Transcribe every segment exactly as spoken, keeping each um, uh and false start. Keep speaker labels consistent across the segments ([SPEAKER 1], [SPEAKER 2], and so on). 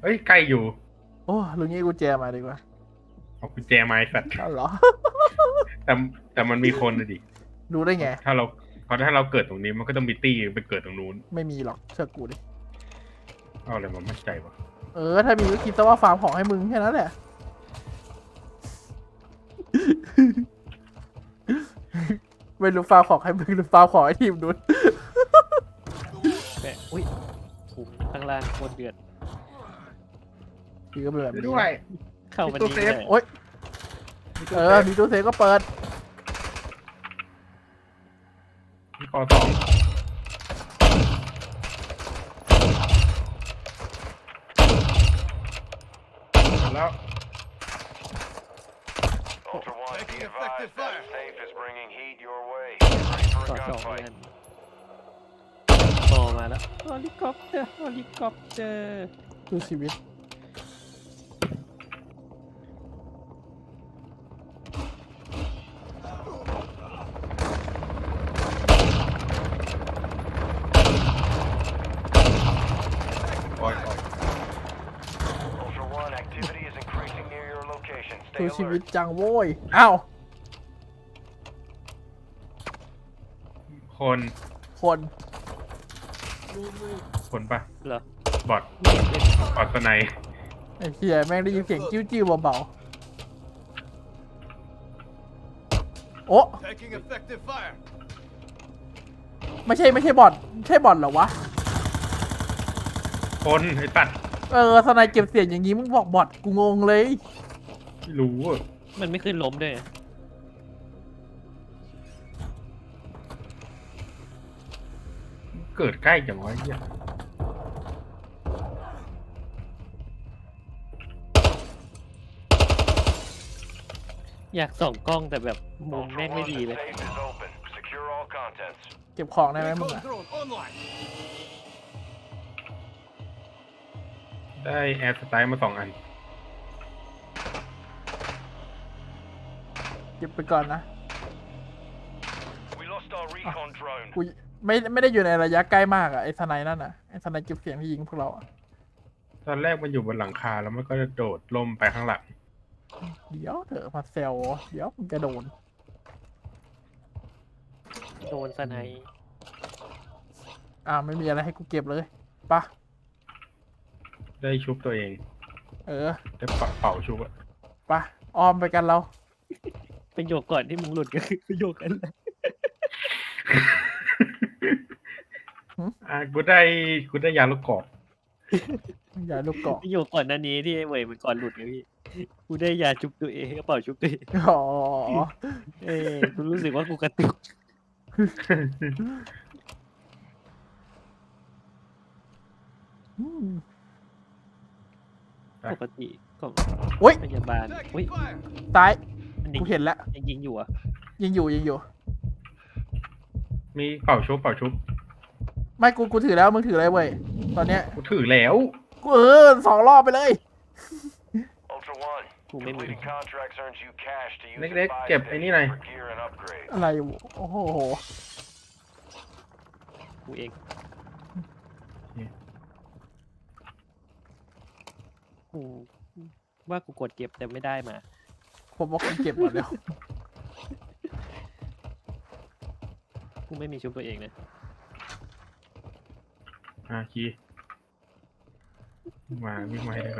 [SPEAKER 1] อ้ยใกล้อยู่
[SPEAKER 2] โอ้ลุงงี้กูแจมาดีกว่า
[SPEAKER 1] เอากุญแจไม้สัตว์
[SPEAKER 2] อ้าวเหรอ
[SPEAKER 1] แต่แต่มันมีคนนะดิ
[SPEAKER 2] รู้ได้ไง
[SPEAKER 1] ถ้าเราเพราะถ้าเราเกิดตรงนี้มันก็ต้องมีตี้ไปเกิดตรงนู้น
[SPEAKER 2] ไม่มีหรอกเชื่อกูดิ
[SPEAKER 1] เอาอะไรมามั่นใจวะ
[SPEAKER 2] เออถ้ามีก็คิดซะว่าฟาร์มของให้มึงแค่นั้นแหละไม่รู้ฟาร์มของให้มึงหรือฟาร์มของให้ทีมนู้น
[SPEAKER 3] แปะอุ้ยถุงข้างล่างโคตรเดือด
[SPEAKER 2] คือก็เป็นแบบนี้
[SPEAKER 1] ด้วย
[SPEAKER 3] เข้ามา
[SPEAKER 1] ตู้
[SPEAKER 3] นี่
[SPEAKER 1] เซฟ
[SPEAKER 3] เลย
[SPEAKER 2] โอ๊ยเออมีตู้เซฟก็เปิด
[SPEAKER 1] มีคอสองแล้ว
[SPEAKER 4] Ultra One, be
[SPEAKER 5] Taking
[SPEAKER 4] advised
[SPEAKER 5] effective
[SPEAKER 4] that
[SPEAKER 5] fire.
[SPEAKER 4] safe is bringing heat your way. Ready for
[SPEAKER 3] ต่อ
[SPEAKER 4] a
[SPEAKER 3] สอง
[SPEAKER 4] gunfight.
[SPEAKER 3] เงินต่อมาแล้วเฮลิคอปเตอร์เฮลิคอปเตอร์
[SPEAKER 2] ดูชีวิต
[SPEAKER 1] ปล่อยปล่อย
[SPEAKER 4] Ultra One, activity is increasing near your location.
[SPEAKER 2] ดู
[SPEAKER 4] Stay
[SPEAKER 2] ชีวิต
[SPEAKER 4] alert.
[SPEAKER 2] จังโว้ยอ้าว
[SPEAKER 1] คน
[SPEAKER 2] คน
[SPEAKER 1] คนปะ
[SPEAKER 3] เหรอบ
[SPEAKER 1] อดบอดสไน
[SPEAKER 2] ไอ้เหี้ยแม่งได้ยินเสียงจิ้วจิ้วเบาๆโอ้
[SPEAKER 5] Taking effective fire.
[SPEAKER 2] ไม่ใช่ไม่ใช่บอทใช่บอทเหรอวะ
[SPEAKER 1] คนไอ้สัตว์
[SPEAKER 2] เออสไนเก็บเสียงอย่างงี้มึงบอกบอทกูงงเลย
[SPEAKER 1] ไม่รู้อะ
[SPEAKER 3] มันไม่ขึ้นล้มด้วย
[SPEAKER 1] เกิดใกล้จังวะเหี้ย
[SPEAKER 3] อยากส่องกล้องแต่แบบมุม
[SPEAKER 4] Ultra
[SPEAKER 3] แม่งไม่
[SPEAKER 4] One,
[SPEAKER 3] ดี
[SPEAKER 4] the
[SPEAKER 3] เลย
[SPEAKER 4] safe is open. Secure all contents.
[SPEAKER 2] เก็บของได้ไหมมึง
[SPEAKER 5] Recon
[SPEAKER 2] อะ
[SPEAKER 5] drone online.
[SPEAKER 1] ได้แอร์สไตล์มาสองอัน
[SPEAKER 2] เก็บไปก่อนนะ
[SPEAKER 4] We lost our recon drone.
[SPEAKER 2] กูไม่ไม่ได้อยู่ในระยะใกล้มากอะไอ้สไนนั่นอะไอ้สไนเก็บเสียงที่ยิงพวกเราอะ
[SPEAKER 1] ตอนแรกมันอยู่บนหลังคาแล้วมันก็จะโดดล่มไปข้างหลัง
[SPEAKER 2] เดี๋ยวเถอะมาเซลเดี๋ยวมึงจะโดน
[SPEAKER 3] โดนสไนป์
[SPEAKER 2] อ่าไม่มีอะไรให้กูเก็บเลยปะ
[SPEAKER 1] ได้ชุบตัวเอง
[SPEAKER 2] เออ
[SPEAKER 1] ได้เป่าเป่าชุบอะ
[SPEAKER 2] ปะออมไปกันเรา
[SPEAKER 3] ประโยคก่อนที่มึงหลุดก็คือประโยคนั้นแหละ
[SPEAKER 1] อ่ะกูได้กูได้ยาลูกกรอก
[SPEAKER 2] อย่าลูกเกาะ
[SPEAKER 3] ประโยคก่อนหน้านี้ที่ไอ้เว่ยมันก่อนหลุดไงพี่กูได้ยาชุบตัวเองกระเป๋าชุบตัวเอง
[SPEAKER 2] อ๋อ
[SPEAKER 3] เอ้ยกูรู้สึกว่ากูกระตุก
[SPEAKER 2] อืม
[SPEAKER 3] ปกติของ
[SPEAKER 2] โอ๊ย
[SPEAKER 3] พยาบาลอุ้ย
[SPEAKER 5] Taking fire.
[SPEAKER 2] ซ้าย
[SPEAKER 3] อันนี้
[SPEAKER 2] กูเห็นแล้ว
[SPEAKER 3] ยังยิงอยู่อ่ะ
[SPEAKER 2] ยิงอยู่ยิงอยู่
[SPEAKER 1] มีเป่าชุบเป่าชุบ
[SPEAKER 2] ไม่กูกูถือแล้วมึงถืออะไรเว้ยตอนเนี้ย
[SPEAKER 1] กูถือแล้ว
[SPEAKER 2] กูเออสองรอบไปเลย
[SPEAKER 4] Ultra One,
[SPEAKER 3] กูไม่มี
[SPEAKER 4] completing contracts earns you cash to use
[SPEAKER 1] เล็ก
[SPEAKER 4] at
[SPEAKER 1] ๆ
[SPEAKER 4] buy
[SPEAKER 1] เก็บไอ้นี่หน่อย
[SPEAKER 4] station for gear and upgrades.
[SPEAKER 2] อะไรวะโอ้โห
[SPEAKER 3] กูเองกูว่ากูกดเก็บแต่ไม่ได้มา
[SPEAKER 2] ผมบอกกูเก็บหมดแล้ว
[SPEAKER 3] กูไม่มีชุบตัวเองนะ
[SPEAKER 1] อ่ะคีวิ่งมาวิ่งมาให้ได้ก่อน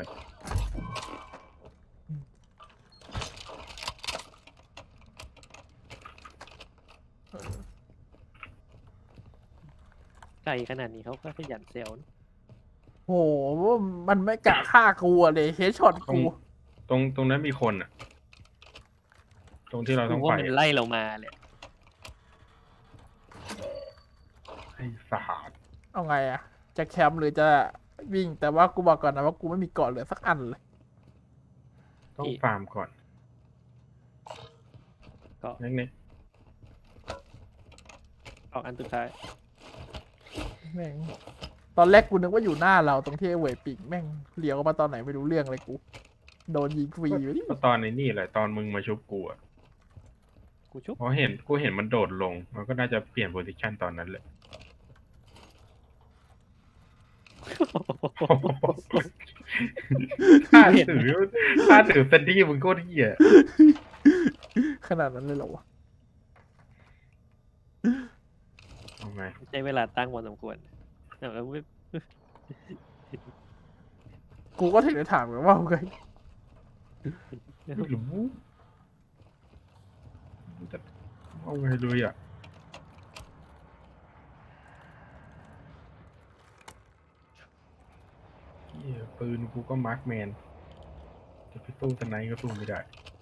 [SPEAKER 3] ไกลขนาดนี้เขาก็ขยันเซลล์นะ
[SPEAKER 2] โหมันไม่กะฆ่ากูอะเลยเฮดช็อต
[SPEAKER 1] ตรง
[SPEAKER 2] กู
[SPEAKER 1] ตรงตรงนั้นมีคนอ่ะ ตรงที่เราต้
[SPEAKER 3] กู
[SPEAKER 1] อง
[SPEAKER 3] ว่า
[SPEAKER 1] ไป
[SPEAKER 3] มันไล่เรามาเลย
[SPEAKER 1] ไอ้สาด
[SPEAKER 2] เอาไงอะจะแคมป์หรือจะวิ่งแต่ว่ากูบอกก่อนนะว่ากูไม่มีเกาะเหลือสักอันเลย
[SPEAKER 1] ต้องฟาร์มก่อน
[SPEAKER 3] ก็
[SPEAKER 1] เล็ก
[SPEAKER 3] ออกอันสุดท้าย
[SPEAKER 2] แม่งตอนแรกกูนึกว่าอยู่หน้าเราตรงที่ไอ้เวยปิงแม่งเลี้ยวมาตอนไหนไม่รู้เรื่องเลยกู โดนยิงฟรีอยู่นี่
[SPEAKER 1] ๆก็ตอนในนี่แหละตอนมึงมาชุบกูอ่ะ
[SPEAKER 3] กูชุบ
[SPEAKER 1] เพราะเห็นกูเห็นมันโดดลง มันก็น่าจะเปลี่ยนโพซิชันตอนนั้นเลยถ้าถือถ้าถือเซนดี้มึงโคตรเหี้ย
[SPEAKER 2] ขนาดนั้นเลยเหรอวะ
[SPEAKER 1] เอาไง
[SPEAKER 3] ใช้เวลาตั้งพอสมควรแต่แล้วไม่
[SPEAKER 2] กูก็ถึงได้ถามกันว่าไง
[SPEAKER 1] ไม่รู้จะเอาไงเลยอ่ะเหี้ยปืนกูก็มาร์คแมนจะไปสู้สไนก็สู้ไม่ได้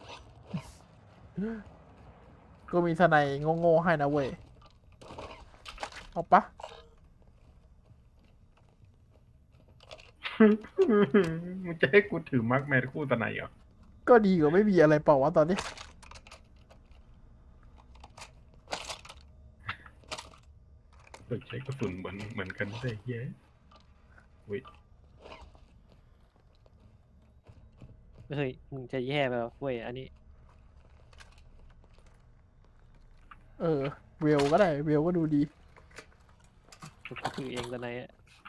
[SPEAKER 2] กูมีสไนด์โง่ๆให้นะเว้ยเอาปะ
[SPEAKER 1] มึงจะให้กูถือมาร์คแมนคู่สไนเหรอ
[SPEAKER 2] ก็ดีกว่าไม่มีอะไรเปล่าวะตอนนี้
[SPEAKER 1] เปิดใช้กระสุนเหมือนเหมือนกันได้เย้เว้ย
[SPEAKER 3] เฮ้ยมึงจะแย่ไปแล้วเว้ยอันนี้
[SPEAKER 2] เออเวลก็ได้เวลก็ดูดี
[SPEAKER 3] กูถือเองตอนไหนอะ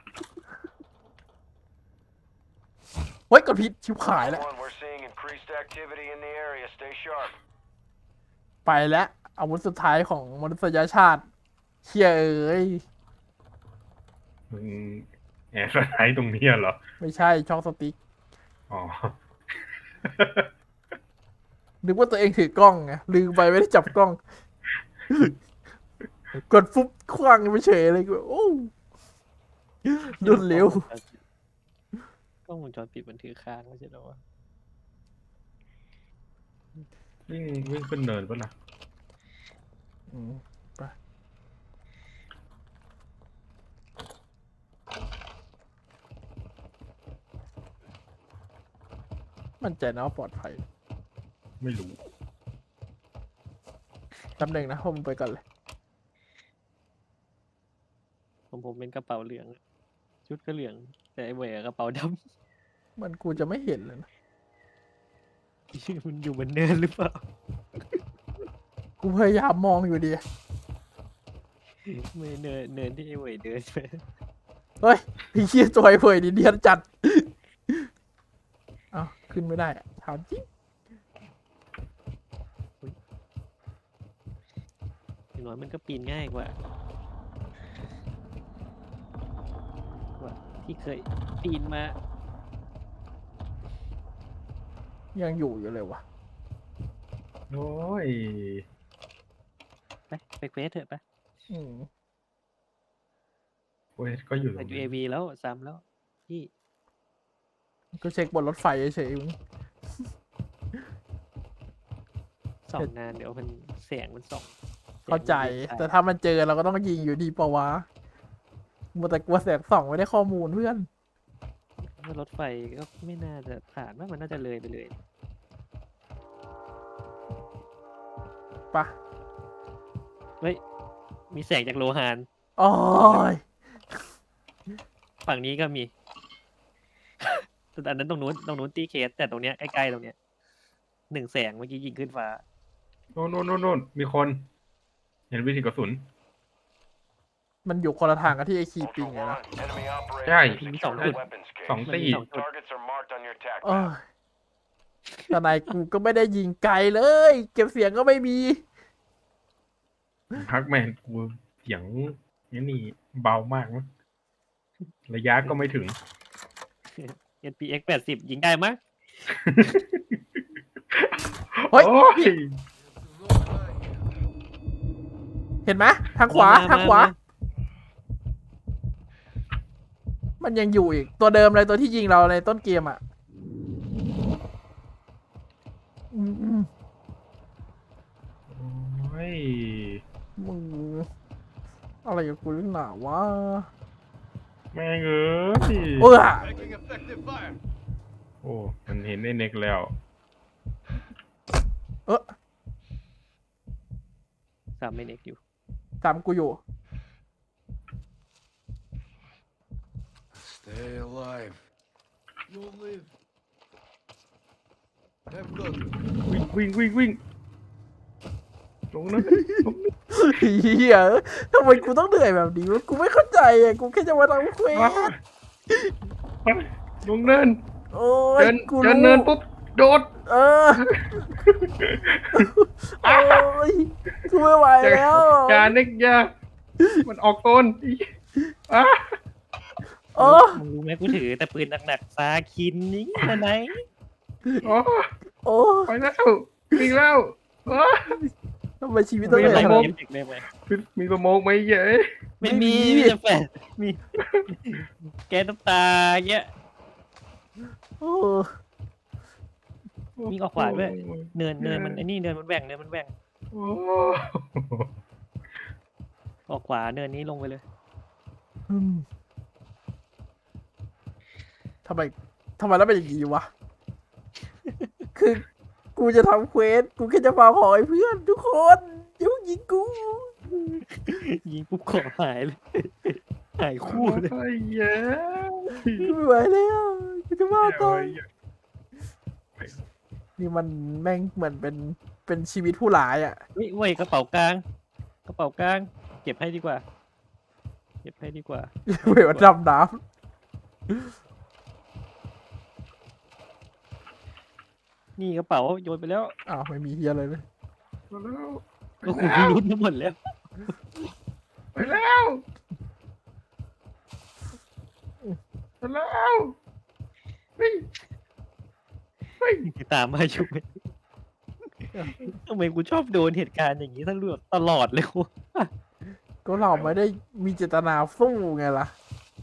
[SPEAKER 2] เฮ้ยกดผิดชิบหายแล้ว
[SPEAKER 4] Ultra One, we're seeing increased activity in the area. Stay sharp.
[SPEAKER 2] ไปแล้วอาวุธสุดท้ายของมนุษยชาติเชี่ยเอ้ย
[SPEAKER 1] มึงแอบสไนตรงนี้เหรอ
[SPEAKER 2] ไม่ใช่ช่องสติ๊ก
[SPEAKER 1] อ๋อ
[SPEAKER 2] นึกว่าตัวเองถือกล้องไงลืมไปไม่ได้จับกล้อง กดฟุบคว้างไปเฉยเลยกูโอ้ดุนเร็ว
[SPEAKER 3] กล้องวงจรปิดมันถือค้างไม่ใช่เหรอวะ
[SPEAKER 1] วิ่งวิ่งขึ้นเนินปะล่ะ
[SPEAKER 2] อืมไปมั่นใจนะว่าปลอดภัย
[SPEAKER 1] ไม่รู้
[SPEAKER 2] ตำแหน่งนะผมงไปก่อนเลย
[SPEAKER 3] ผมผมเป็นกระเป๋าเหลืองอะชุดก็เหลือง แต่ไอ้เวยอะกระเป๋าด
[SPEAKER 2] มันกูจะไม่เห็นเลยนะ
[SPEAKER 3] ำ มันอยู่บนเนินหรือเปล่า
[SPEAKER 2] กูพยายามมองอยู่ดี
[SPEAKER 3] ไม่เนินเนินที่ไอ้เวยเดินไป
[SPEAKER 2] เฮ้ยไอ้เชี่ยตัวไอ้เผยดีเดียนจัด เอาขึ้นไม่ได้อะถามจริง
[SPEAKER 3] อย่างน้อยมันก็ปีนง่ายกว่า กว่าที่เคยปีนมา
[SPEAKER 2] ยังอยู่อยู่เลยวะ
[SPEAKER 1] โอ้ย
[SPEAKER 3] ไปไปเควสเถอะไป
[SPEAKER 2] อืม
[SPEAKER 1] เว้ยก็อยู่ตร
[SPEAKER 3] ไป
[SPEAKER 1] ง
[SPEAKER 3] ยู
[SPEAKER 1] นี้
[SPEAKER 3] เอวีแล้วซ้ำแล้วพี่
[SPEAKER 2] ก็เช็คบนรถไฟเฉยๆมึง
[SPEAKER 3] ส่องนานเดี๋ยวมันแสงมันส่องแสงมัน
[SPEAKER 2] เข้าใจ
[SPEAKER 3] ยิง
[SPEAKER 2] แต่ถ้ามันเจอเราก็ต้องยิงอยู่ดีปะวะมัวแต่กลัวแสงส่องไม่ได้ข้อมูลเพื่อน
[SPEAKER 3] ว่ารถไฟก็ไม่น่าจะผ่านว่ามันน่าจะเลยไปเลย
[SPEAKER 2] ปะ
[SPEAKER 3] เฮ้ย มีแสงจากโลหาน
[SPEAKER 2] โอ้ย
[SPEAKER 3] ฝั่งนี้ก็มี แต่อันนั้นตรงนู้นตรงนู้นตีเคส แต่ตรงเนี้ยใกล้ๆตรงเนี้ยหนึ่งแสงเมื่อกี้ยิงขึ้นฟ้า
[SPEAKER 1] โน่นโน่นโน่นโน่นมีคน เห็นวิธีกระสุน
[SPEAKER 2] มันอยู่คนละทางกับที่ไอคี
[SPEAKER 4] Ultra
[SPEAKER 2] ปิงไง
[SPEAKER 4] One,
[SPEAKER 2] นะ
[SPEAKER 4] enemy operators
[SPEAKER 1] Right.
[SPEAKER 4] have secured
[SPEAKER 3] Song
[SPEAKER 4] the
[SPEAKER 3] good.
[SPEAKER 4] weapons case.
[SPEAKER 1] สองตี
[SPEAKER 3] สอง
[SPEAKER 4] Targets are marked on your attack
[SPEAKER 2] โอ้ย
[SPEAKER 4] map.
[SPEAKER 2] แต่นายกูก็ไม่ได้ยิงไกลเลย เก็บเสียงก็ไม่มี
[SPEAKER 1] พักแมนกูเสียงนี่นี่เบามากมั้งระยะก็ไม่ถึง
[SPEAKER 3] เอ็น พี เอ็กซ์ แปดสิบยิงได้มั้ย
[SPEAKER 2] เฮ้ย
[SPEAKER 1] โอ้ย
[SPEAKER 2] เห็นไหมทางขวา
[SPEAKER 3] มา
[SPEAKER 2] ทางขวา
[SPEAKER 3] มา
[SPEAKER 2] มันยังอยู่อีก ตัวเดิมเลยตัวที่ยิงเราในต้นเกมอ่ะอืม
[SPEAKER 1] โอ้ย
[SPEAKER 2] มึงอะไรกับกูหรือเปล่าวะ
[SPEAKER 1] แม่งเอ้ย
[SPEAKER 2] เออ
[SPEAKER 4] Making effective fire.
[SPEAKER 1] โอ้ มันเห็นไอ้เน็กแล้ว
[SPEAKER 2] เออ
[SPEAKER 3] สามเมนเอกอยู่
[SPEAKER 2] ตามกูอยู่
[SPEAKER 5] Stay alive. You'll live. Have good.
[SPEAKER 1] วิ่งวิ่งวิ่งวิ่งลงนะลงนะ
[SPEAKER 2] เฮียทำไมกูต้องเหนื่อยแบบนี้วะกูไม่เข้าใจอ่ะ กูแค่จะมาทำเคว
[SPEAKER 1] อ้า
[SPEAKER 2] ส
[SPEAKER 1] ลงเนิน
[SPEAKER 2] โอ้ย
[SPEAKER 1] เดิน
[SPEAKER 2] กู
[SPEAKER 1] เดิน
[SPEAKER 2] รู้
[SPEAKER 1] เนินปุ๊บโดด
[SPEAKER 2] เออโอ้ยกูไม่ไหวแล้ว
[SPEAKER 1] อย่าเน็กอย่ามันออกโกนอ่ะ
[SPEAKER 2] โอ้
[SPEAKER 3] มึงรู้ไหมกูถือแต่ปืนหนักๆซาคินนี่มาไหน
[SPEAKER 1] โอ้
[SPEAKER 2] โอ้
[SPEAKER 1] ไปแล้ววิ่งแล้วอ้า
[SPEAKER 2] ทำไมชีวิตต้อง
[SPEAKER 3] ไม่
[SPEAKER 2] เป็น
[SPEAKER 3] อะไร
[SPEAKER 2] อย่าง
[SPEAKER 3] มี
[SPEAKER 2] นั้น
[SPEAKER 3] เอฟเฟกต์ได้ไหม
[SPEAKER 1] มีสโมกไหมเย้ย
[SPEAKER 3] ไม่มี
[SPEAKER 2] ไม่มี
[SPEAKER 3] มีแต่แฟนมีแก๊สน้ำตาเงี้ย
[SPEAKER 2] โอ้
[SPEAKER 3] วิ่งออกขวาด้วย เนินเนินมันไอ้นี่เนินมันแบ่งเนินมันแบ่ง
[SPEAKER 1] โอ้
[SPEAKER 3] ออกขวาเนินนี้ลงไปเลย
[SPEAKER 2] อืมทำไมทำไมแล้วเป็นอย่างนี้วะ คือกูจะทำเควสกูแค่จะฟาร์มของไอ้เพื่อนทุกคนอย่าเพิ่งยิงกู
[SPEAKER 3] ยิงปุ๊บขอหายเลย หายคู่เลย
[SPEAKER 1] ไอ้เย้ย
[SPEAKER 2] กูไม่ไหวแล้วกูจะบ้าตายนี่มันแม่งเหมือนเป็นเป็นชีวิตผู้ร้ายอ่ะ
[SPEAKER 3] เฮ้ยเว้ยกระเป๋ากลาง กระเป๋ากลาง เก็บให้ดีกว่า เก็บให้ดีกว่า
[SPEAKER 2] เวลาดำน้
[SPEAKER 3] นี่กระเป๋าโยนไปแล้ว
[SPEAKER 2] ำอ้าวไม่มีเฮียอะไรเลย
[SPEAKER 1] มาแล้ว
[SPEAKER 3] ก็คุณรุ้นทั้งหมดแล้ว
[SPEAKER 1] ไปแล้วไปแล้วเฮ้ยเฮ้ย
[SPEAKER 3] ตามมาชุบทำไมกูชอบโดนเหตุการณ์อย่างนี้ตลอดตลอดเลยกู
[SPEAKER 2] ก็เราไม่ได้มีเจตนาสู้ไงล่ะ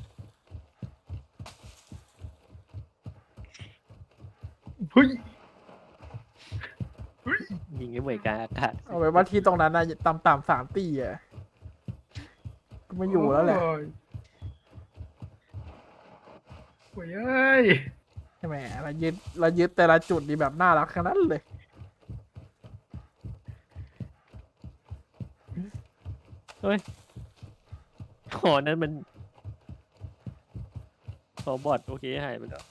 [SPEAKER 1] เฮ้ย
[SPEAKER 3] ยิงไอ้เหมือนกลางอากาศ
[SPEAKER 2] เอาไว้ว่าที่ตรงนั้นนะต่ำต่ำสามตีอ่ะกูไม่อยู่แล้วแหละ
[SPEAKER 1] โอ้ยโอ้ยเอ้ย
[SPEAKER 2] ใช่ไหมเรายึดเรายึดแต่ละจุดนี่แบบน่ารักขนาดนั้นเลย
[SPEAKER 3] ขอนั้นมันขอบอดโอเคหายไปแล้ว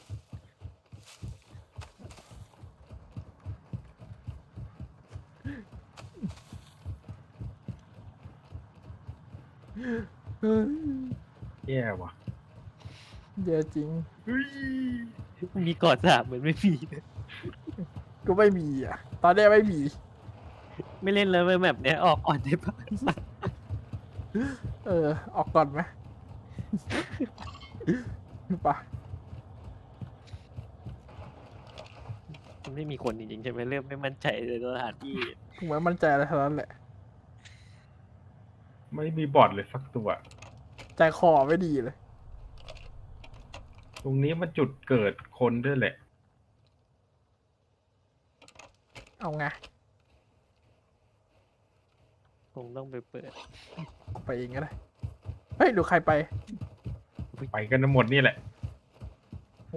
[SPEAKER 1] แย่ว่ะ
[SPEAKER 2] เยอะจริง
[SPEAKER 1] เฮ้ย
[SPEAKER 3] มีกอดสามเหมือนไม่มีเลย
[SPEAKER 2] ก็ไม่มีอ่ะ ตอนนี้ไม่มี
[SPEAKER 3] ไม่เล่นแล้วแบบเนี้ยออกก่อนได้ปะ
[SPEAKER 2] เออ ออกก่อนไหม ปะ
[SPEAKER 3] มันไม่มีคนจริงๆใช่ไหมเริ่มไม่มั่นใจในสถานที่
[SPEAKER 2] กูไม่มั่นใจอะไรทั้งนั้นแหละ
[SPEAKER 1] ไม่มีบอดเลยสักตัว
[SPEAKER 2] ใจคอไม่ดีเลย
[SPEAKER 1] ตรงนี้มันจุดเกิดคนด้วยแหละ
[SPEAKER 2] เอาไง
[SPEAKER 3] คงต้องไปเปิด
[SPEAKER 2] กูไปเองก็ได้ เฮ้ย ดูใครไป
[SPEAKER 1] ไปกันหมดนี่แหละ
[SPEAKER 2] โห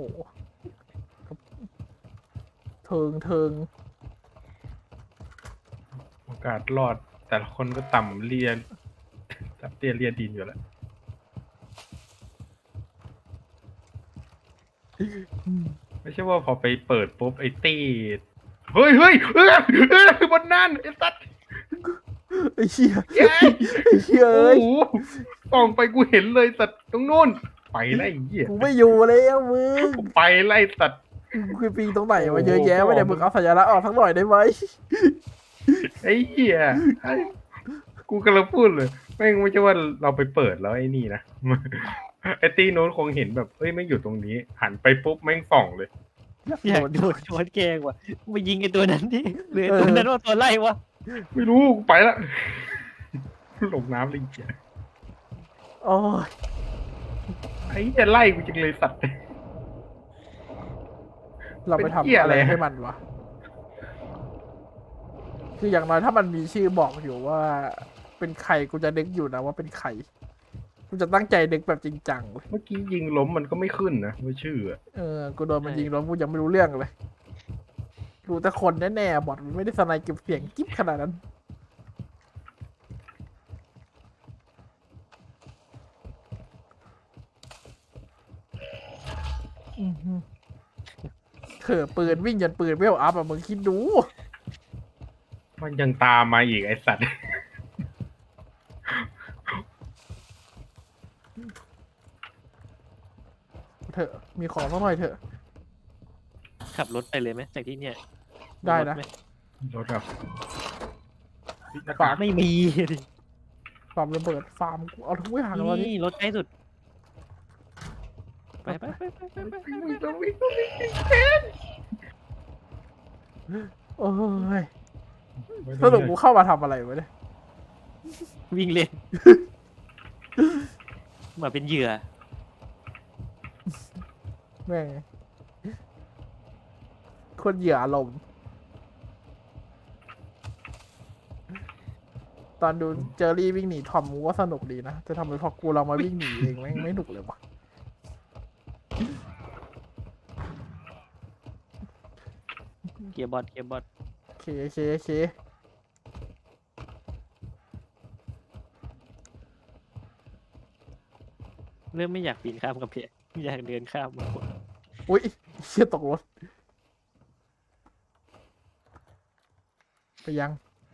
[SPEAKER 2] เทิงเทิง
[SPEAKER 1] โอกาสรอด แต่ละคนก็ต่ำเรียนตับเตี้ยเรียดินอยู่แล้ว ไม่ใช่ว่าพอไปเปิดปุ๊บไอ้ตี้เฮ้ยเฮ้ยเออเออบนนั่นไอ้สัตว์
[SPEAKER 2] ไอ้เชี่ย
[SPEAKER 1] เย้ย
[SPEAKER 2] ไอ้เชี่ย
[SPEAKER 1] โอ้
[SPEAKER 2] เอ้ย
[SPEAKER 1] โหส่องไปกูเห็นเลยสัตว์ตรงนู้นไปไล่เหี้ย
[SPEAKER 2] กูไม่อยู่แล้วมึง
[SPEAKER 1] กูไปไล่สัตว์
[SPEAKER 2] กูปีตรงไหนมาเยอะแยะไม่ได้มึงเอาสัญลักษณ์ออกทั้งหน่อยได้ไหม
[SPEAKER 1] ไอ้เหี้ยไอ้กูกำลังพูดเลยแม่งไม่ใช่ว่าเราไปเปิดแล้วไอ้นี่นะ ไอ้ตีโน้นคงเห็นแบบเฮ้ยไม่งอยู่ตรงนี้ หันไปปุ๊บแม่งส่องเลย
[SPEAKER 3] อยากโดนช้อนแกงว่ะไปยิงไอ้ตัวนั้นดิหรือไอ้ตัวนั้นว่าตัวไล่วะ
[SPEAKER 1] ไม่รู้กูไปละ ลงน้ำเลยเหี้ย
[SPEAKER 2] โอ้ย
[SPEAKER 1] ไอ้เหี้ยไล่กูจังเลยสัตว์
[SPEAKER 2] เราไป
[SPEAKER 1] เป็น
[SPEAKER 2] ทำ
[SPEAKER 1] เหี้ย
[SPEAKER 2] อะ
[SPEAKER 1] อะไร ไร
[SPEAKER 2] ให้มันวะ คืออย่างน้อยถ้ามันมีชื่อบอกอยู่ว่า เป็นใครกูจะนึกอยู่นะว่าเป็นใคร กูจะตั้งใจนึกแบบจริงจังเลย
[SPEAKER 1] เมื่อกี้ยิงล้มมันก็ไม่ขึ้นนะไม่ชื่ออะ
[SPEAKER 2] เออ กูโดนมันยิงแล้วกูยังไม่รู้เรื่องเลย รู้แต่คนแน่ๆบอดมันไม่ได้สไนเก็บเสียงกิ๊บขนาดนั้น อือหือเถอะปืนวิ่งยันปืนเวลอัพอะมึงคิดดู
[SPEAKER 1] มันยังตามมาอีกไอ้สัตว์
[SPEAKER 2] สมีของสักหน่อยเถอะ
[SPEAKER 3] ขับรถไปเลยไหมจากที่เนี่ย
[SPEAKER 2] ได้นะ
[SPEAKER 3] รถหม
[SPEAKER 1] รถแบบหน้า
[SPEAKER 2] ฝาก
[SPEAKER 1] าก
[SPEAKER 3] ไม่มีดิ
[SPEAKER 2] ฟาร์มระเบิดฟาร์มกูเอาทุกอย่างแล้วนี่
[SPEAKER 3] นี่รถใกล้สุด ไปไปไปไปไปไป
[SPEAKER 1] วิ่งวิ่งวิ่งวิ่งวิ่ง
[SPEAKER 2] โอ้ยสรุปกูเข้ามาทำอะไรวะเนี่ย
[SPEAKER 3] วิ่งเล่น มาเป็นเหยื่อ
[SPEAKER 2] แม่งคนเหยื่ออารมณ์ตอนดูเจอรี่วิ่งหนีทอมกูว่าสนุกดีนะจะทำไมพอกูเรามาวิ่งหนีเองแม่งไม่หนุกเลยวะ
[SPEAKER 3] เกียร์บอทเกียร์บอท
[SPEAKER 2] โอเคโอเคโอเค
[SPEAKER 3] เริ่มไม่อยากปีนข้ามกับเพะอยากเดินข้ามมากกว่า
[SPEAKER 2] อุ้ยเชี่ยตกรถไปยัง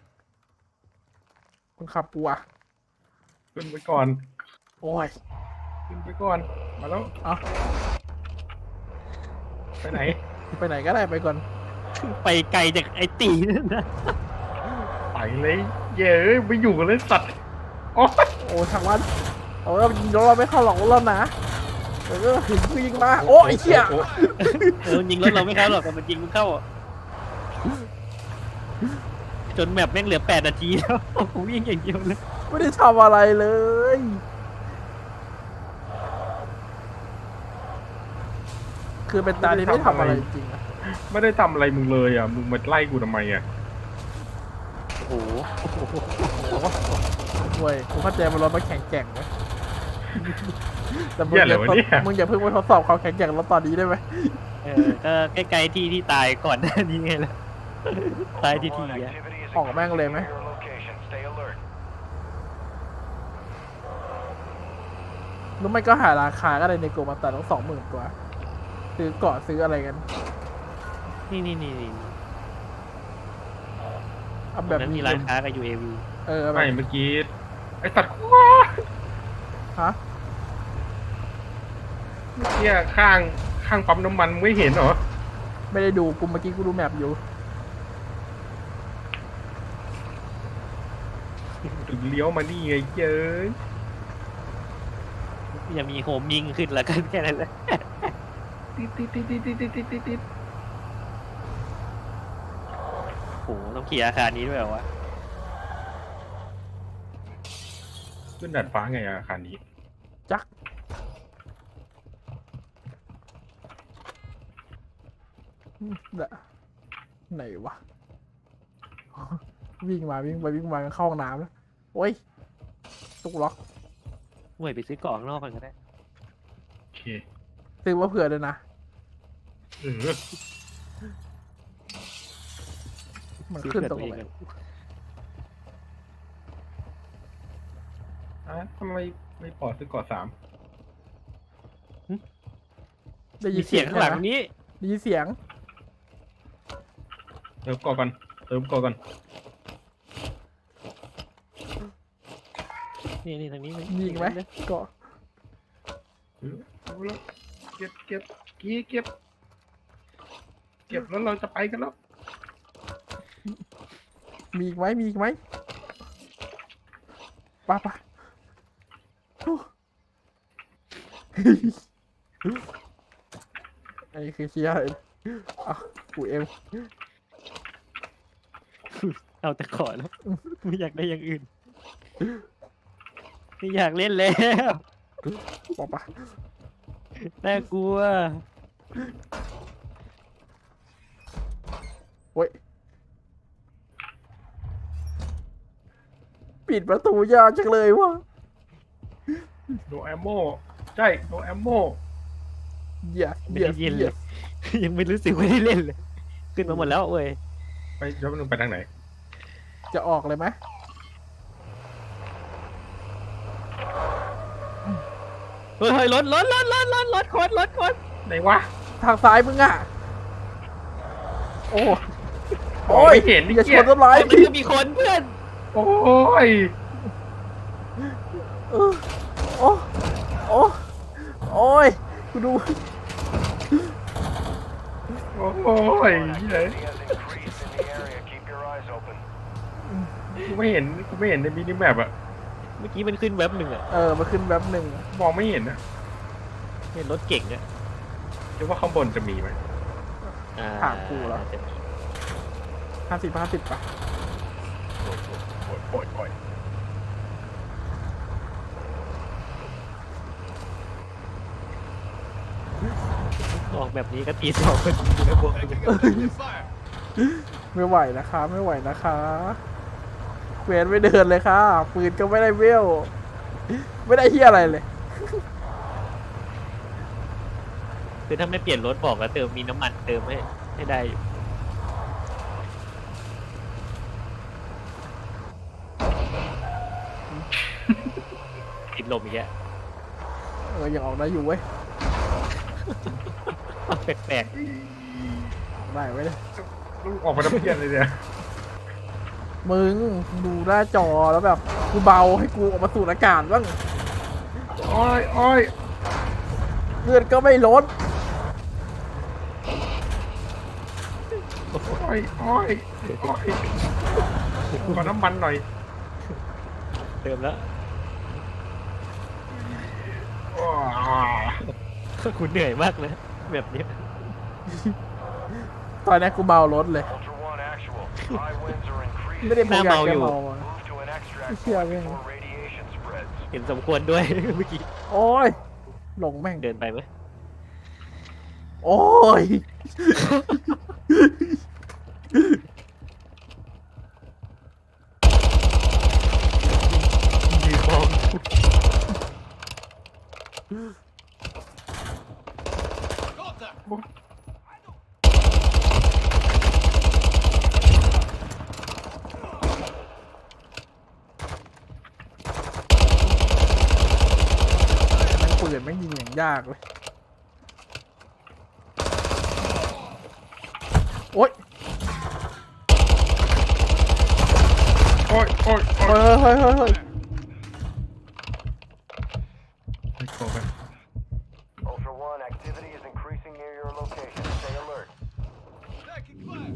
[SPEAKER 2] คนขับกูอะ
[SPEAKER 1] ขึ้นไปก่อน
[SPEAKER 2] โอ้ย
[SPEAKER 1] ขึ้นไปก่อนมาแล้ว
[SPEAKER 2] เอา
[SPEAKER 1] ไปไหน
[SPEAKER 2] ไปไหนก็ได้ไปก่อน
[SPEAKER 3] ไปไกลจากไอ้ตีนั่นนะ
[SPEAKER 1] ไปเลยเย้ยไปอยู่กันเลยสัตว์โอ๊ย
[SPEAKER 2] โอ้ทางวันโอ้ยยิงเราไม่เข้าหรอกเรานะเออถึงกูยิงมาโอ้ไอ้เชี่ย
[SPEAKER 1] โอ้
[SPEAKER 3] เออยิงรถเราไม่เข้าหรอกแต่มันยิงมันเข้าอะจนแมปแม่งเหลือแปดนาทีแล้วผมวิ่งอย่างเดียวเลย
[SPEAKER 2] ไม่ได้ทำอะไรเลย คือเป็นตาที่ไม่ทำอะไรจริงๆอะ
[SPEAKER 1] ไม่ได้ทำอะไรมึงเลยอ่ะมึงมาไล่กูทำไมอ่ะ
[SPEAKER 3] โอ้โห
[SPEAKER 2] เว้ยกูเข้าใจมันรถมาแข่งแกร่งไหมแต่มึง
[SPEAKER 1] เหี้ย
[SPEAKER 2] อ
[SPEAKER 1] อะไร
[SPEAKER 2] ย่าว
[SPEAKER 1] ะ
[SPEAKER 2] ทด
[SPEAKER 1] เนี่ย
[SPEAKER 2] มึงอย่าเพิ่งไปทดสอบความแข็งแกร่งรถตอนนี้ได้ไหม
[SPEAKER 3] เออก็ใกล้ๆที่ที่ตายก่อนหน้านี้ไงล่ะตายที่ที
[SPEAKER 4] Ultra One
[SPEAKER 3] อะ
[SPEAKER 4] activity is
[SPEAKER 2] ออกแม่งเลยไหม
[SPEAKER 4] increasing near your location. Stay alert.
[SPEAKER 2] หรือไม่ก็หาราคาก็ได้ในโกมาตัดต้องสองหมื่นกว่าซื้อเกาะซื้ออะไรกัน
[SPEAKER 3] นี่นี่นี่นี่
[SPEAKER 2] เอา
[SPEAKER 3] ต
[SPEAKER 2] แบ
[SPEAKER 3] รง
[SPEAKER 2] บ
[SPEAKER 3] นั้นมีร้านค้ากับ ยู เอ วี
[SPEAKER 2] เออเอาแบ
[SPEAKER 1] ไม่
[SPEAKER 2] บ
[SPEAKER 1] เมื่อกี้ไอสัตว์ว้า
[SPEAKER 2] ฮะ
[SPEAKER 1] เมื่อกี้ข้างข้างปั๊มน้ำมันไม่เห็นเหรอ
[SPEAKER 2] ไม่ได้ดูกูเมื่อกี้กูดูแมปอยู่
[SPEAKER 1] ถึงเลี้ยวมานี่ไงเย้ย
[SPEAKER 3] อย่ามีโฮมยิงขึ้นแล้วกันแค่นั้นแหละ
[SPEAKER 1] ติดติดติดติดติดติดติดติดติด
[SPEAKER 3] โอ้โหต้องขี่อาคารนี้ด้วยเหรอวะ
[SPEAKER 1] ขึ้นดาดฟ้าไงอะอาคารนี้
[SPEAKER 2] จักอืมเดะไหนวะ วิ่งมาวิ่งไปวิ่งมาเข้าห้องน้ำแล้วโอ้ยตุกล็อก
[SPEAKER 3] ห่วยไปซื้อเกาะข้างนอกกันก็ได้
[SPEAKER 1] โอเค
[SPEAKER 2] ซื้อมาเผื่อด้วยนะ
[SPEAKER 1] เออ
[SPEAKER 2] มัน
[SPEAKER 3] ซื้อ
[SPEAKER 2] ขึ้น
[SPEAKER 3] เผื่อ
[SPEAKER 2] ตร
[SPEAKER 3] ตั
[SPEAKER 2] ง
[SPEAKER 3] วเอง
[SPEAKER 2] ไหน
[SPEAKER 3] กัน
[SPEAKER 1] อ่ะทำไมไม่ปอดซื้อก่อสาม
[SPEAKER 2] ได้ยิ
[SPEAKER 3] มี
[SPEAKER 2] น
[SPEAKER 3] เสียงข้างหลัง
[SPEAKER 2] ใช่ไม
[SPEAKER 3] นี้
[SPEAKER 2] ได้ยินเสียง
[SPEAKER 1] เติมก่อก่อนเติมก่อก่อน
[SPEAKER 3] นี่นี่ทางนี้น
[SPEAKER 2] ยิงไหมก็
[SPEAKER 1] เออเอาละเก็บเก็บกี้เก็บ เก็บแล้วเราจะไปกันแล้ว
[SPEAKER 2] มีอีกไหมมีอีกไหมปะปะโอ้อันนี้คือเชียร์เลยอ่ะกูเอ็ม
[SPEAKER 3] เอาแต่ขอแล้วไม่อยากได้อย่างอื่นไม่อยากเล่นแล้ว
[SPEAKER 2] ปะปะ
[SPEAKER 3] น่ากลัว
[SPEAKER 2] โอ้ยปิดประตูยากจังเลยวะ
[SPEAKER 1] โนแอมโมใช่โนแอมโม
[SPEAKER 2] เหี้ย
[SPEAKER 3] ไม่
[SPEAKER 2] เหี้ย
[SPEAKER 3] ได้เย็นเล
[SPEAKER 2] เหี้
[SPEAKER 3] ย
[SPEAKER 2] ย
[SPEAKER 3] ยังไม่รู้สึกว่าได้เล่นเลย ขึ้นมาหมดแล้วเว้ย
[SPEAKER 1] ไปแล้วมึงไปทางไหน
[SPEAKER 2] จะออกเลยไหม
[SPEAKER 3] เฮ้ยเฮ้ยรถรถรถรถรถรถคนรถคน
[SPEAKER 1] ไหนวะ
[SPEAKER 2] ทางซ้ายมึงอ่ะ โอ้
[SPEAKER 1] มอง
[SPEAKER 2] โอ้ย
[SPEAKER 1] ไม่เห็นนี่
[SPEAKER 2] อย่าช
[SPEAKER 1] เกีย
[SPEAKER 2] นต้นไม้
[SPEAKER 3] ไอ้มัน
[SPEAKER 2] ดิ
[SPEAKER 3] ก็มีคนเพื่อน
[SPEAKER 1] โอ้ย
[SPEAKER 2] เออโอ้โอ้โอ้ยกูดู
[SPEAKER 1] โอ้ย
[SPEAKER 4] Ultra One,
[SPEAKER 1] เหี้ย
[SPEAKER 4] activity has increased in the area. Keep your eyes open.
[SPEAKER 1] กูไม่เห็นกูไม่เห็นในมินิแมปอะ
[SPEAKER 3] เมื่อกี้มันขึ้นแว็บหนึ่งอะ
[SPEAKER 2] เออมาขึ้นแป๊บหนึ่ง
[SPEAKER 1] มองไม่เห็นนะ
[SPEAKER 3] เห็นรถเก่งอะ
[SPEAKER 1] คิดว่าข้างบนจะมีไหม
[SPEAKER 3] อ่า
[SPEAKER 2] ถามกูเหรอ
[SPEAKER 3] จะมี
[SPEAKER 2] ห้าสิบห้าสิบป่ะ
[SPEAKER 1] โอ้ยโอ้ยโอ้ยโอ้ย
[SPEAKER 3] ออกแบบนี้ก็ตีสองคนอยู่ในบวก
[SPEAKER 5] Taking effective fire.
[SPEAKER 2] ไม่ไหวนะคะ ไม่ไหวนะคะเควสไม่เดินเลยค่ะปืนก็ไม่ได้เวลไม่ได้เฮียอะไรเลย
[SPEAKER 3] คือถ้าไม่เปลี่ยนรถบอกแล้วเติมมีน้ำมันเติมให้ให้ได้อยู่ติดลมอีกแล้ว
[SPEAKER 2] เออยังออกได้อยู่เว้ย
[SPEAKER 3] แปลก
[SPEAKER 2] ออกได้ไว้เลย
[SPEAKER 1] ลูกออกมาทำเพี้ยนเลยเนี่ย
[SPEAKER 2] มึงดูหน้าจอแล้วแบบกูเบาให้กูออกมาสูดอากาศบ้าง
[SPEAKER 1] โอ้ยโอ้ย
[SPEAKER 2] เลือดก็ไม่ลด
[SPEAKER 1] โอ้ยโอ้ยโอ้ยขอน้ำมันหน่อย
[SPEAKER 3] ๆเติมแล้ว
[SPEAKER 1] ว้า
[SPEAKER 3] คุณเหนื่อยมากเลยแบบนี้
[SPEAKER 2] ตอนนี้กูเบารถเลย
[SPEAKER 4] Ultra One, actual. High winds are
[SPEAKER 2] ไม่ได้
[SPEAKER 4] increasing.
[SPEAKER 2] พยายามจะ
[SPEAKER 3] หน้าเมาอยู่
[SPEAKER 2] เมาอะ
[SPEAKER 4] Move to an extract
[SPEAKER 2] Sia
[SPEAKER 4] point
[SPEAKER 2] bien.
[SPEAKER 4] before radiation spreads.
[SPEAKER 3] เห็นสมควรด้วย เมื่อกี้
[SPEAKER 2] โอ้ยหลงแม่ง
[SPEAKER 3] เดินไปไหม
[SPEAKER 2] โอ้ย
[SPEAKER 3] ยืนมอง
[SPEAKER 2] แม่งปืนแม่งยิงอย่างยากเลยโอ้ย
[SPEAKER 1] โอ้ยโอ้ยโอ้
[SPEAKER 2] เฮ้
[SPEAKER 1] ย
[SPEAKER 2] ยเฮ้ยเฮ้ยเฮ้ย
[SPEAKER 1] โอ้ย
[SPEAKER 4] Ultra One, activity is increasing near your location. Stay alert.
[SPEAKER 5] Taking fire.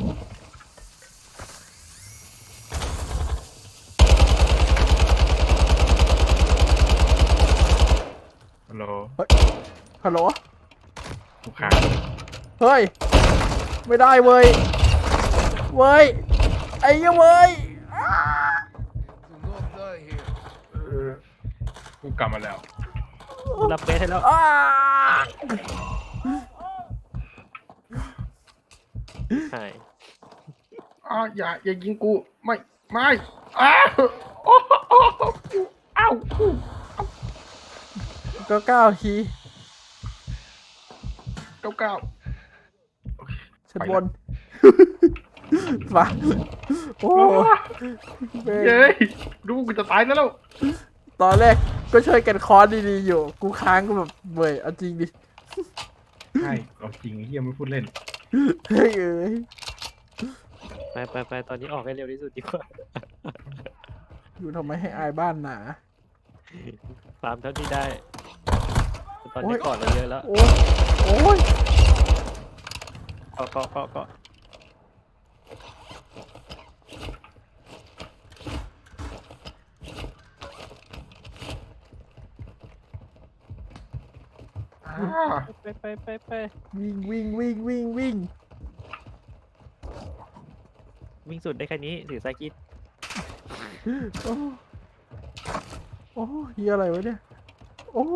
[SPEAKER 1] ฮัลโหล
[SPEAKER 2] ฮัลโหล
[SPEAKER 1] ลูกค้า
[SPEAKER 2] เฮ้ย ไม่ได้เว้ย เว้ย ไอ้เหี้ยเว้ยอ้า
[SPEAKER 5] Do not die here.
[SPEAKER 1] เออกูกลับมาแล้ว
[SPEAKER 3] รับเบสให้แล้ว
[SPEAKER 2] อ้า
[SPEAKER 3] ใช่
[SPEAKER 1] อ้าวอย่าอย่ายิงกูไม่ไม่อ้าวโอ้โหอ้าว
[SPEAKER 2] ก็เก้าที
[SPEAKER 1] เก้าเก้า
[SPEAKER 2] ชั้นบนมาโอ้แม่ง
[SPEAKER 1] เย้ยดูกูจะตายแล้ว
[SPEAKER 2] ตอนแรกก็ช่วยกันคอร์สดีๆอยู่ กูค้างก็แบบเว้ยเอาจริงดิ
[SPEAKER 1] ใช่เอาจริงไอ้เฮียไม่พูดเล่น
[SPEAKER 2] เฮ้ยเอ้ย
[SPEAKER 3] ไปไปไปตอนนี้ออกให้เร็วที่สุดดีกว่า
[SPEAKER 2] อยู่ทำไมให้อายบ้านหนา
[SPEAKER 3] ฟาร์มเท่าที่ได้ ตอน
[SPEAKER 2] โอ้
[SPEAKER 3] นี้
[SPEAKER 2] ย
[SPEAKER 3] ก่อนเราเยอะแล้ว
[SPEAKER 2] โอ้ยโอ้ย
[SPEAKER 3] เกาะเกาะเกาะเกาะ
[SPEAKER 1] อ่า
[SPEAKER 3] ไปไปไปไป
[SPEAKER 2] วิ่งวิ่งวิ่งวิ่งวิ่ง
[SPEAKER 3] วิ่งสุดได้แค่นี้ถือสายกิด
[SPEAKER 2] โอ้โอ้เฮียอะไรวะเนี่ย โอ้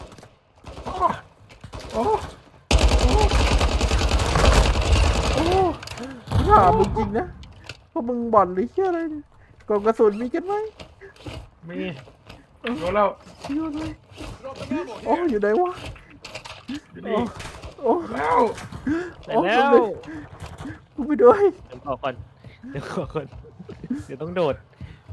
[SPEAKER 1] โอ้
[SPEAKER 2] โอ้ถามมึงจริงนะพวกมึงบ่อนหรือเฮียอะไรเนี่ยกล่องกระสุนมีกันไหม
[SPEAKER 1] มีรู้แล้ว
[SPEAKER 2] อยู่ไหน
[SPEAKER 5] Drop an ammo
[SPEAKER 2] โอ้
[SPEAKER 5] here.
[SPEAKER 2] อยู่ไหนวะ
[SPEAKER 1] อยู่
[SPEAKER 2] โอ้
[SPEAKER 1] นี่
[SPEAKER 2] โอ้
[SPEAKER 1] แล้ว
[SPEAKER 3] ได้
[SPEAKER 2] โอ้
[SPEAKER 3] แล้ว
[SPEAKER 2] กูไปด้วย
[SPEAKER 3] เดี๋ยวขอก่อนเดี๋ยวขอก่อนเดี๋ยวต้องโดด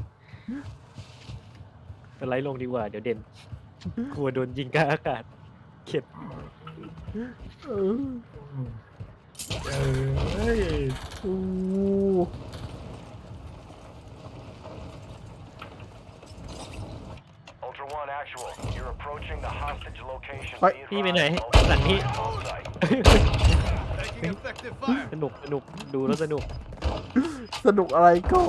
[SPEAKER 3] สไลด์ลงดีกว่าเดี๋ยวเด่นกลัวโดนยิงกลางอากาศเข็ด
[SPEAKER 2] เออ
[SPEAKER 1] เอ้ย
[SPEAKER 2] โอ้
[SPEAKER 4] Ultra One, actual. You're approaching the hostage location.
[SPEAKER 2] Oi.
[SPEAKER 4] Be
[SPEAKER 3] พี่ไปไหน
[SPEAKER 4] advised, Ultra
[SPEAKER 3] หลังพี่
[SPEAKER 4] One is on site.
[SPEAKER 5] Taking They fire.
[SPEAKER 3] สนุกสนุกดูแล้วสนุก
[SPEAKER 2] สนุกอะไรก่อน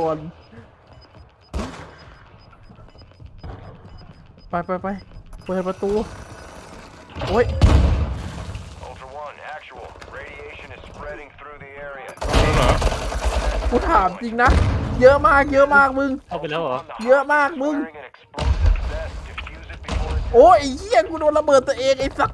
[SPEAKER 2] ไปไปไปเปิดประตู โอ้ย
[SPEAKER 4] Ultra One, actual. Radiation is spreading through the area.
[SPEAKER 1] แล้วเหรอ
[SPEAKER 2] กูถามจริงนะ เยอะมากเยอะมากมึง
[SPEAKER 3] เข้าไปแล้วเหรอ
[SPEAKER 4] On the
[SPEAKER 2] เยอะมากมึง
[SPEAKER 4] firing an explosive vest. Defuse it before it's
[SPEAKER 2] โอ้ยไอ้เหี้ยกูโดนระเบิดตัวเองไอ้สัส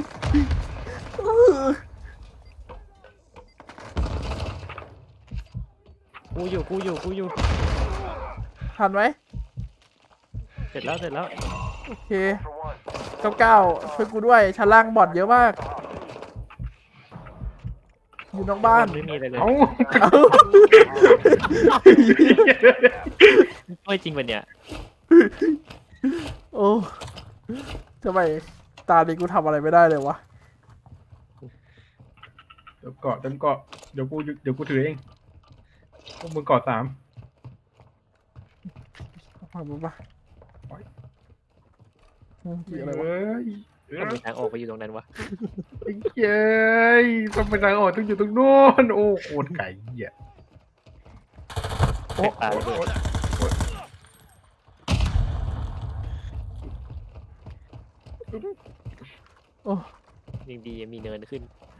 [SPEAKER 3] กูอยู่กูอยู่กูอยู่
[SPEAKER 2] ทันไหม
[SPEAKER 3] เสร็จแล้วเสร็จแล้ว
[SPEAKER 2] โอเค
[SPEAKER 4] Ultra One.
[SPEAKER 2] เก้าเก้าช่วยกูด้วยชั้นล่างบอดเยอะมาก อยู่นอกบ้าน
[SPEAKER 3] ไม่มีอะไรเลย
[SPEAKER 1] เอ้า
[SPEAKER 2] เอ้า
[SPEAKER 3] ช่วยจริงปะเนี่ย
[SPEAKER 2] โอ้ทำไมตาดีกูทำอะไรไม่ได้เลยวะ
[SPEAKER 1] เดี๋ยวเกาะเต็มเกาะเดี๋ยวกูเดี๋ยวกูถือเองพวกมึงเกาะสาม
[SPEAKER 2] มาบุปะกี่อะไรวะ
[SPEAKER 1] เอ้ย
[SPEAKER 3] ทำไมทางออกไปอยู่ตรงนั้นวะ
[SPEAKER 1] ไอ้เย้ยต้องไปทางออกต้องอยู่ตรงโน้นโอ้โคตรไก่เหี้ย
[SPEAKER 3] โอ้ตายเลย
[SPEAKER 2] โอ้
[SPEAKER 3] ยังดียังมีเนินขึ้น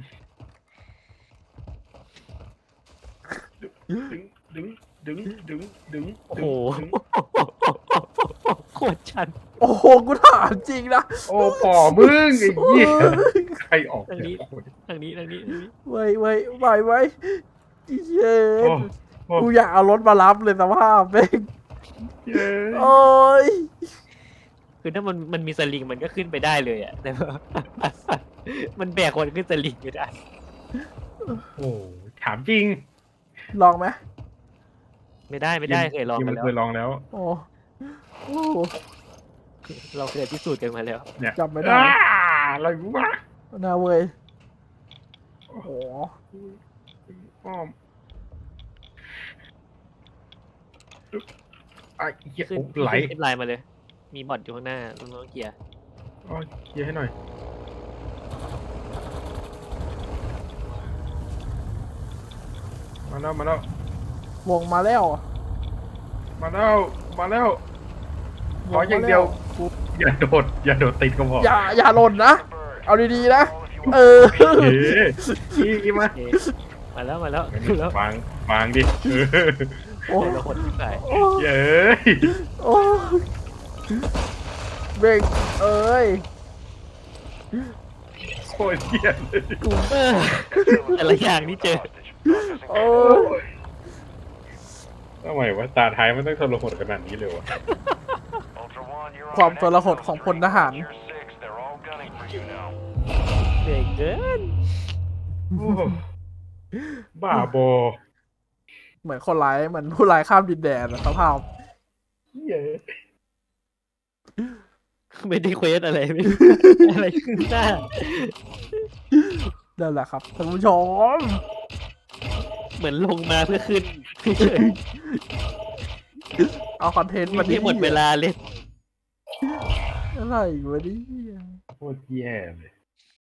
[SPEAKER 1] ดึงดึงดึงดึงดึง
[SPEAKER 3] โอ้โห
[SPEAKER 1] ดึง
[SPEAKER 3] โคตรชัน
[SPEAKER 2] โอ้โหกูถามจริงนะ
[SPEAKER 1] โอ้ป่อมึงไอ้เหี้ยใครออก
[SPEAKER 3] ทางนี้
[SPEAKER 1] เนี่ยโอ้ย
[SPEAKER 3] ทางนี้ทางนี้ทางนี้
[SPEAKER 2] ไว้ไว้ไว้ไว้เย้
[SPEAKER 1] โอ้โอ้
[SPEAKER 2] กูอยากเอารถมารับเลยสภาพเบ้ง
[SPEAKER 1] เย้ย
[SPEAKER 2] โอ้ย
[SPEAKER 3] คือถ้ามันมันมีสลิงมันก็ขึ้นไปได้เลยอะแต่ว่า มันแบกคนขึ้นสลิงไม่ได้
[SPEAKER 1] โอ้ถามจริง
[SPEAKER 2] ลองไหม
[SPEAKER 3] ไม่ได้ไม่ได้เคยลองกัน
[SPEAKER 1] มัน
[SPEAKER 3] แล้ว
[SPEAKER 1] เคยลองแล้ว
[SPEAKER 2] โอ้โอ้
[SPEAKER 3] เราเคยพิสูจน์กันมาแล้ว
[SPEAKER 1] เนี่ย
[SPEAKER 2] จำไม่ได้
[SPEAKER 1] อ้าอะไรวะ
[SPEAKER 2] น่าเว้ยโอ้โห
[SPEAKER 1] อ้อมไอ้เหี้ย
[SPEAKER 3] ขึ้น
[SPEAKER 1] โอ้ไหล
[SPEAKER 3] ขึ้นไลน์มาเลย มีบอทอยู่ข้างหน้าต้องต้องเกียร์
[SPEAKER 1] อ๋อเคลียร์ให้หน่อย มาแล้วมาแล้ว
[SPEAKER 2] วงมาแล้ว
[SPEAKER 1] มาแล้วมาแล้วขออย่างเดียวกูอย่าโดดอย่าโดดติดก็พอ
[SPEAKER 2] อย่าอย่าหล่นนะ
[SPEAKER 4] bird.
[SPEAKER 2] เอาดีๆนะ
[SPEAKER 4] All of you
[SPEAKER 2] เอ
[SPEAKER 4] are
[SPEAKER 2] อ
[SPEAKER 1] เฮ้ยนี่มา
[SPEAKER 3] โอเคมาแล้วมาแล้วแล้ว
[SPEAKER 1] วางวางดิเออ
[SPEAKER 2] โอ้
[SPEAKER 3] เราคนที่ใส่
[SPEAKER 2] โอ้
[SPEAKER 1] เย้ย
[SPEAKER 2] โอ้เบรกเอ้ย
[SPEAKER 1] โคตรเหี้ยเลย
[SPEAKER 2] กู
[SPEAKER 3] เออแต่ละอย่างที่เจอ
[SPEAKER 4] hostage. Processing
[SPEAKER 2] โอ้
[SPEAKER 1] โอ้ยทำไมวะตาท้ายมันต้องทรหดขนาดนี้เลยวะ
[SPEAKER 4] Ultra One, you're on
[SPEAKER 2] ความ
[SPEAKER 4] an
[SPEAKER 2] ทรหดของพลทหาร
[SPEAKER 4] Tier six. They're all gunning for you now.
[SPEAKER 3] เหนื่อยเกิน
[SPEAKER 1] โอ้บ้าบอ
[SPEAKER 2] เหมือนคนร้ายเหมือนผู้ร้ายข้ามดินแดนอะสภาพ
[SPEAKER 1] เย้ย
[SPEAKER 3] ไม่ได้เควสอะไรไม่รู้อะไรขึ้นหน้า
[SPEAKER 2] นั่นแหละครับท่านผู้ชม
[SPEAKER 3] เหมือนลงมาเพื่อขึ้นเฉย
[SPEAKER 2] เอาคอนเทนต์
[SPEAKER 3] ๆ
[SPEAKER 2] มา
[SPEAKER 3] มันที่หมดเวลาเลย
[SPEAKER 2] อะไรวะเนี่ย
[SPEAKER 1] โคตรแย่เลย